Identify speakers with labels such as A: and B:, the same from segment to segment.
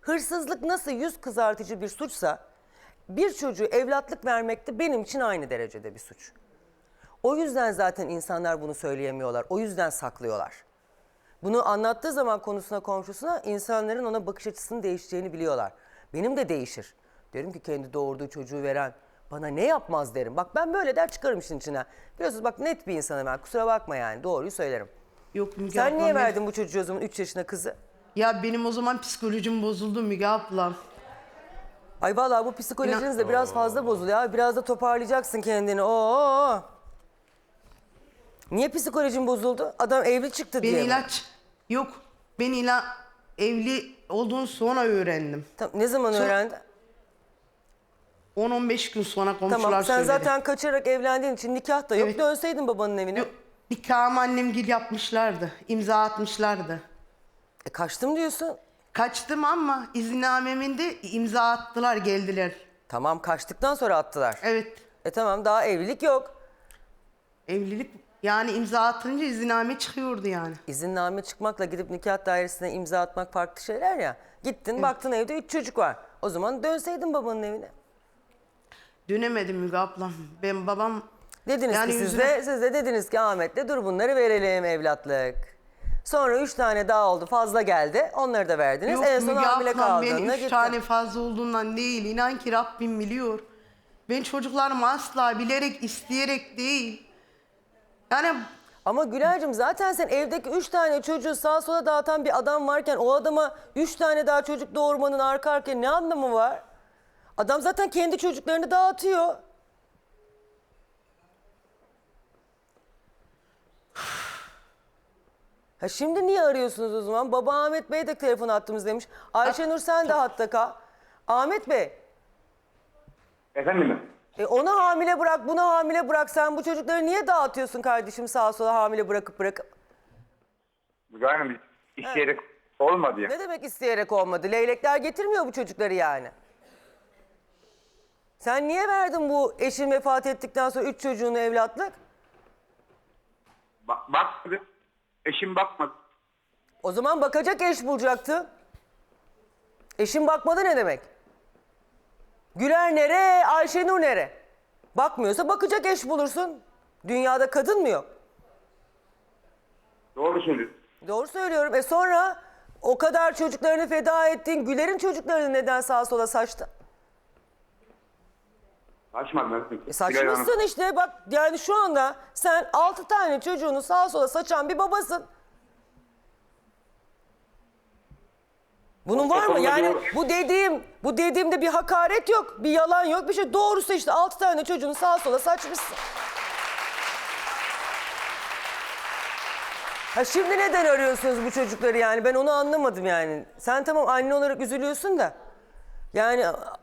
A: Hırsızlık nasıl yüz kızartıcı bir suçsa, bir çocuğu evlatlık vermek de benim için aynı derecede bir suç. O yüzden zaten insanlar bunu söyleyemiyorlar. O yüzden saklıyorlar. Bunu anlattığı zaman konusuna, komşusuna insanların ona bakış açısının değişeceğini biliyorlar. Benim de değişir. Derim ki kendi doğurduğu çocuğu veren bana ne yapmaz derim. Bak ben böyle der çıkarım işin içine. Biliyorsunuz bak net bir insanım ben. Kusura bakma yani doğruyu söylerim.
B: Yok Müge
A: Sen
B: ablam,
A: niye verdin bu çocuğu o zaman 3 yaşında kızı?
B: Ya benim o zaman psikolojim bozuldu Müge ablam.
A: Ay vallahi bu psikolojiniz de biraz fazla bozuluyor. Abi. Biraz da toparlayacaksın kendini. Oo. Niye psikolojin bozuldu? Adam evli çıktı
B: Ben
A: diye mi?
B: yok. Evli olduğunu sonra öğrendim.
A: Ne zaman öğrendin?
B: 10-15 gün sonra komşular
A: Tamam sen
B: söyledi.
A: zaten kaçarak evlendiğin için nikah da yok.
B: Evet.
A: Dönseydin babanın evine.
B: Yok, nikahımı annemgil yapmışlardı. İmza atmışlardı.
A: Kaçtım diyorsun.
B: Kaçtım ama izinnamemin de imza attılar, geldiler.
A: Tamam kaçtıktan sonra attılar.
B: Evet.
A: Tamam daha evlilik yok.
B: Evlilik yani imza atınca izinname çıkıyordu yani.
A: İzinname çıkmakla gidip nikah dairesine imza atmak farklı şeyler ya. Gittin baktın evde 3 çocuk var. O zaman dönseydin babanın evine.
B: Dönemedim Müge ablam. Ben babam...
A: Dediniz
B: yani
A: ki
B: yüzüne...
A: siz de dediniz ki Ahmet'le dur bunları verelim evlatlık. Sonra 3 tane daha oldu fazla geldi. Onları da verdiniz.
B: Yok
A: En son
B: Müge
A: hamile
B: ablam, ben
A: kaldığında
B: 3
A: gittin.
B: tane fazla olduğundan değil. İnan ki Rabbim biliyor. Ben çocuklarımı asla bilerek, isteyerek değil. Yani
A: Ama Güler'cim zaten sen evdeki 3 tane çocuğu sağa sola dağıtan bir adam varken o adama 3 tane daha çocuk doğurmanın arka arkaya ne anlamı var? Adam zaten kendi çocuklarını dağıtıyor. Ha şimdi niye arıyorsunuz o zaman? Baba Ahmet Bey de telefon attığımız demiş. Ayşenur sen de hatta kal. Ahmet Bey.
C: Efendim?
A: Onu hamile bırak, bunu hamile bırak. Sen bu çocukları niye dağıtıyorsun kardeşim sağa sola hamile bırakıp?
C: Yani isteyerek olmadı ya.
A: Ne demek isteyerek olmadı? Leylekler getirmiyor bu çocukları yani. Sen niye verdin bu eşin vefat ettikten sonra 3 çocuğunu evlatlık?
C: Bakmadı. Eşim bakmadı.
A: O zaman bakacak eş bulacaktın. Eşin bakmadı ne demek? Güler nere, Ayşenur nere? Bakmıyorsa bakacak eş bulursun. Dünyada kadın mı yok?
C: Doğru söylüyorsun.
A: Doğru söylüyorum. Sonra o kadar çocuklarını feda ettin. Güler'in çocuklarını neden sağa sola saçtın?
C: Saçmadım.
A: Saçmışsın işte bak yani şu anda sen 6 tane çocuğunu sağa sola saçan bir babasın. Bunun var mı? Yani bu dediğimde bir hakaret yok, bir yalan yok, bir şey. Doğrusu işte 6 tane çocuğunu sağa sola saçmışsın. Ha şimdi neden arıyorsunuz bu çocukları yani? Ben onu anlamadım yani. Sen tamam anne olarak üzülüyorsun da. Yani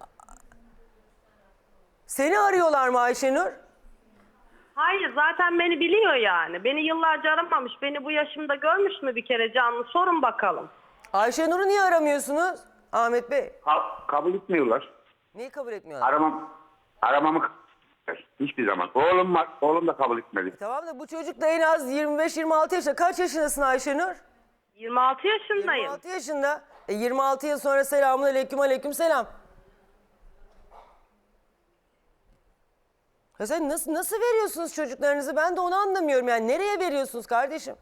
A: seni arıyorlar mı Ayşenur?
D: Hayır zaten beni biliyor yani. Beni yıllarca aramamış. Beni bu yaşımda görmüş mü bir kere canlı? Sorun bakalım.
A: Ayşenur'u niye aramıyorsunuz Ahmet Bey?
C: Kabul etmiyorlar.
A: Niye kabul etmiyorlar?
C: Aramamı hiçbir zaman. Oğlum var. Oğlum da kabul etmedi.
A: Tamam da bu çocuk da en az 25-26 yaşında. Kaç yaşındasın Ayşenur?
D: 26 yaşındayım.
A: 26 yaşında. 26 yıl sonra selamun aleyküm aleyküm selam. Ya sen nasıl veriyorsunuz çocuklarınızı? Ben de onu anlamıyorum yani. Nereye veriyorsunuz kardeşim?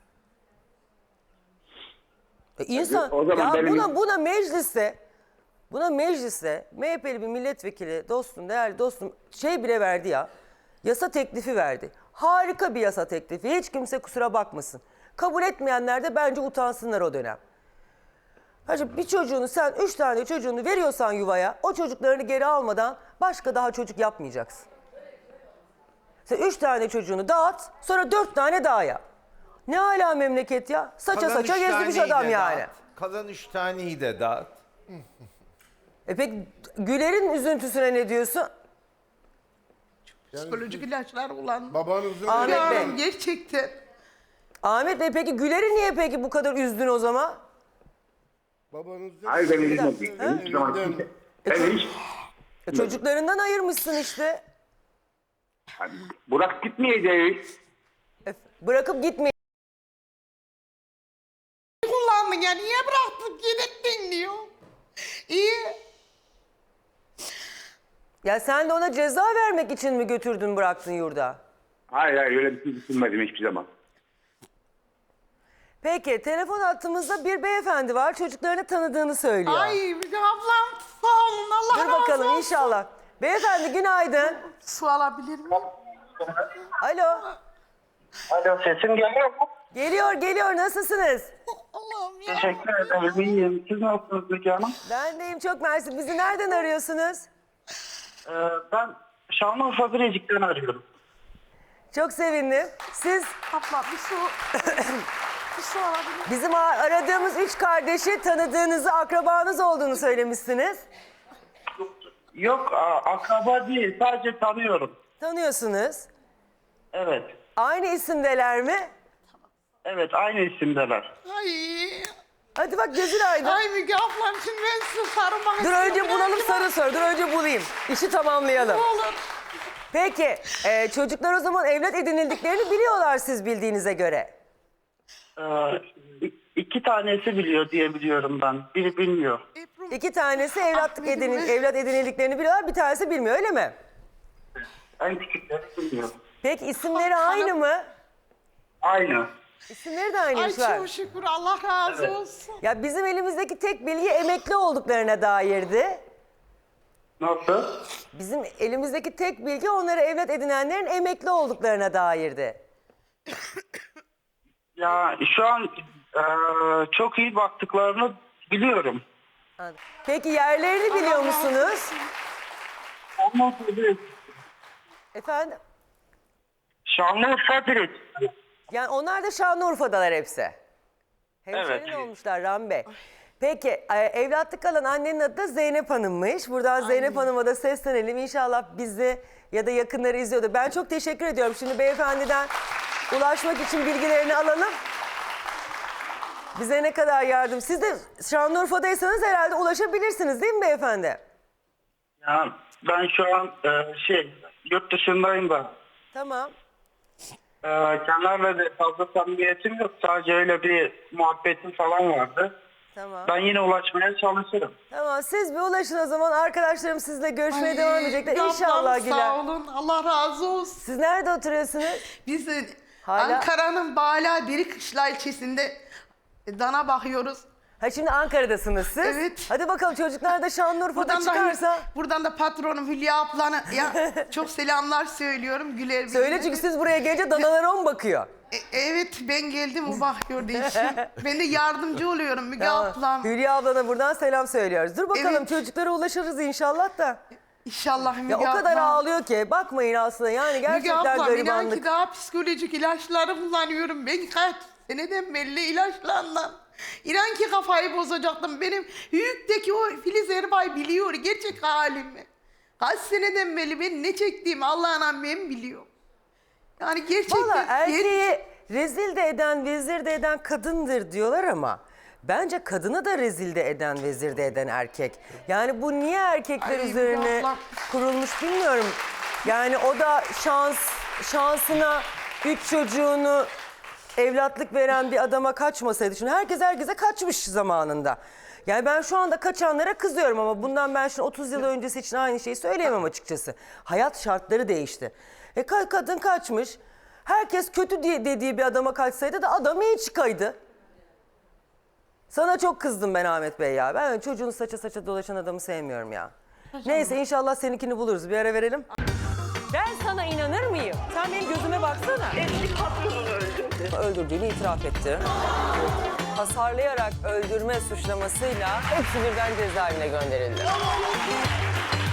A: İnsan
C: O zaman
A: ya
C: benim...
A: buna mecliste MHP'li bir milletvekili dostum, değerli dostum bile verdi ya. Yasa teklifi verdi. Harika bir yasa teklifi. Hiç kimse kusura bakmasın. Kabul etmeyenler de bence utansınlar o dönem. Hacı bir çocuğunu sen 3 tane çocuğunu veriyorsan yuvaya o çocuklarını geri almadan başka daha çocuk yapmayacaksın. Sen 3 tane çocuğunu dağıt sonra 4 tane daha yap. Ne hala memleket ya? Saça gezdirmiş adam yani.
E: Dağıt. Kalan 3 taneyi de dağıt.
A: Peki Güler'in üzüntüsüne ne diyorsun?
B: psikolojik ilaçlar kullandım.
F: Babanızın
A: Ahmet Bey.
B: Yani gerçekten.
A: Ahmet Bey peki Güler'i niye peki bu kadar üzdün o zaman?
F: babanızın
C: Hayır beni üzmedi. Hiç zaman
F: Evlilikten-
C: Ben hiç...
A: Çocuklarından ayırmışsın işte.
C: Burak gitmeyeceğiz.
A: Bırakıp gitmeyin.
B: Kullandın ya, niye bıraktın, gidettin diyor.
A: Ya sen de ona ceza vermek için mi götürdün bıraktın yurda?
C: Hayır öyle bir şey düşünmedim hiçbir zaman.
A: Peki telefon hattımızda bir beyefendi var, çocuklarını tanıdığını söylüyor.
B: Ay Müge ablam sağ olun, Allah
A: Dur
B: razı
A: bakalım
B: olsun.
A: inşallah. Beyefendi günaydın.
B: Su alabilir miyim?
A: Alo.
G: Alo, sesim geliyor mu?
A: Geliyor nasılsınız?
B: Allah'ım ya.
G: Teşekkür ederim. İyiyim. Siz nasılsınız Müge Hanım?
A: Ben deyim çok mersi. Bizi nereden arıyorsunuz?
G: Ben Şanlıurfa Birecik'ten arıyorum.
A: Çok sevindim. Siz
B: Abla bir su. Bir su alabilir miyim?
A: bizim aradığımız 3 kardeşi tanıdığınızı, akrabanız olduğunu söylemişsiniz.
G: Yok, akraba değil. Sadece tanıyorum.
A: Tanıyorsunuz.
G: Evet.
A: Aynı isimdeler mi?
G: Evet, aynı isimdeler.
B: Ay.
A: Hadi bak gözün aydın.
B: Ay Müge ablam şimdi ben size sarılmak
A: Dur
B: istiyorum.
A: önce bulalım sarı sor. Dur önce bulayım. İşi tamamlayalım.
B: Ne olur.
A: Peki çocuklar o zaman evlat edinildiklerini biliyorlar siz bildiğinize göre.
G: İki tanesi biliyor diye biliyorum ben. Biri bilmiyor.
A: 2 tanesi evlat
B: Ahmet'im.
A: edinildiklerini biliyorlar, bir tanesi bilmiyor öyle mi?
G: En küçükleri bilmiyor.
A: Peki isimleri aynı mı?
G: Aynı.
A: İsimleri de
B: Ay
A: aynıymış var.
B: çok şükür, Allah razı olsun.
A: Ya bizim elimizdeki tek bilgi emekli olduklarına dairdi.
G: Nasıl?
A: Bizim elimizdeki tek bilgi onları evlat edinenlerin emekli olduklarına dairdi.
G: Ya şu an çok iyi baktıklarını biliyorum.
A: Anladım. Peki yerlerini biliyor musunuz?
G: Ondan sonra
A: Efendim?
G: Şanlıurfa Birecik.
A: Yani onlar da Şanlıurfa'dalar hepsi. Hemşerin
G: Evet.
A: olmuşlar Rami Bey. Peki evlatlık alan annenin adı da Zeynep Hanım'mış. Buradan Zeynep Hanım'a da seslenelim. İnşallah bizi ya da yakınları izliyordu. Ben çok teşekkür ediyorum. Şimdi beyefendiden ulaşmak için bilgilerini alalım. Bize ne kadar yardım. Siz de Şanlıurfa'daysanız herhalde ulaşabilirsiniz değil mi beyefendi?
G: Ya ben şu an yurt dışındayım da.
A: Tamam.
G: Kendilerle de fazla samimiyetim yok. Sadece öyle bir muhabbetim falan vardı.
A: Tamam.
G: Ben yine ulaşmaya çalışırım.
A: Tamam siz bir ulaşın o zaman. Arkadaşlarım sizle görüşmeye devam edecekler.
B: Müge
A: İnşallah
B: ablam,
A: Güler.
B: sağ olun, Allah razı olsun.
A: Siz nerede oturuyorsunuz?
B: Biz de
A: Hala-
B: Ankara'nın Bala Birikışla ilçesinde dana bakıyoruz.
A: Ha şimdi Ankara'dasınız siz.
B: Evet.
A: Hadi bakalım çocuklar da Şanlıurfa'da
B: Buradan
A: çıkarsa.
B: da, buradan da patronum Hülya ablana ya çok selamlar söylüyorum. Güler
A: Söyle
B: bilgiler.
A: çünkü siz buraya gelince danalara mı bakıyor?
B: Evet ben geldim, o bakıyor değişim. Ben de yardımcı oluyorum Müge ablam.
A: Hülya ablana buradan selam söylüyoruz. Dur bakalım
B: Evet.
A: çocuklara ulaşırız inşallah da.
B: İnşallah Müge
A: Ya o
B: ablam.
A: kadar ağlıyor ki bakmayın aslında yani
B: Müge
A: gerçekten
B: ablam inan
A: garibanlık.
B: ki daha psikolojik ilaçları kullanıyorum. Ben kaç seneden belli ilaçlarla. İnan ki kafayı bozacaktım. Benim Hüyük'teki o Filiz Erbay biliyor gerçek halimi. Kaç seneden beri ben ne çektiğimi Allah'ın ben biliyor. Yani gerçekten...
A: Valla erkeği rezil de eden, vezir de eden kadındır diyorlar ama bence kadını da rezil de eden, vezir de eden erkek. Yani bu niye erkekler
B: Ay,
A: üzerine
B: abla.
A: kurulmuş bilmiyorum. Yani o da şansına 3 çocuğunu evlatlık veren bir adama kaçmasaydı. Şimdi herkes herkese kaçmış zamanında. Yani ben şu anda kaçanlara kızıyorum ama bundan ben şimdi 30 yıl öncesi için aynı şeyi söyleyemem açıkçası. Hayat şartları değişti. Kadın kaçmış. Herkes kötü dediği bir adama kaçsaydı da adam iyi çıkaydı. Sana çok kızdım ben Ahmet Bey ya. Ben çocuğunu saça dolaşan adamı sevmiyorum ya. Neyse inşallah seninkini buluruz. Bir ara verelim. Ben sana inanır mıyım? Sen benim gözüme baksana.
D: Eski patronunu öldürdü.
A: Öldürdüğünü itiraf etti. Hasarlayarak öldürme suçlamasıyla hepsi birden cezaevine gönderildi.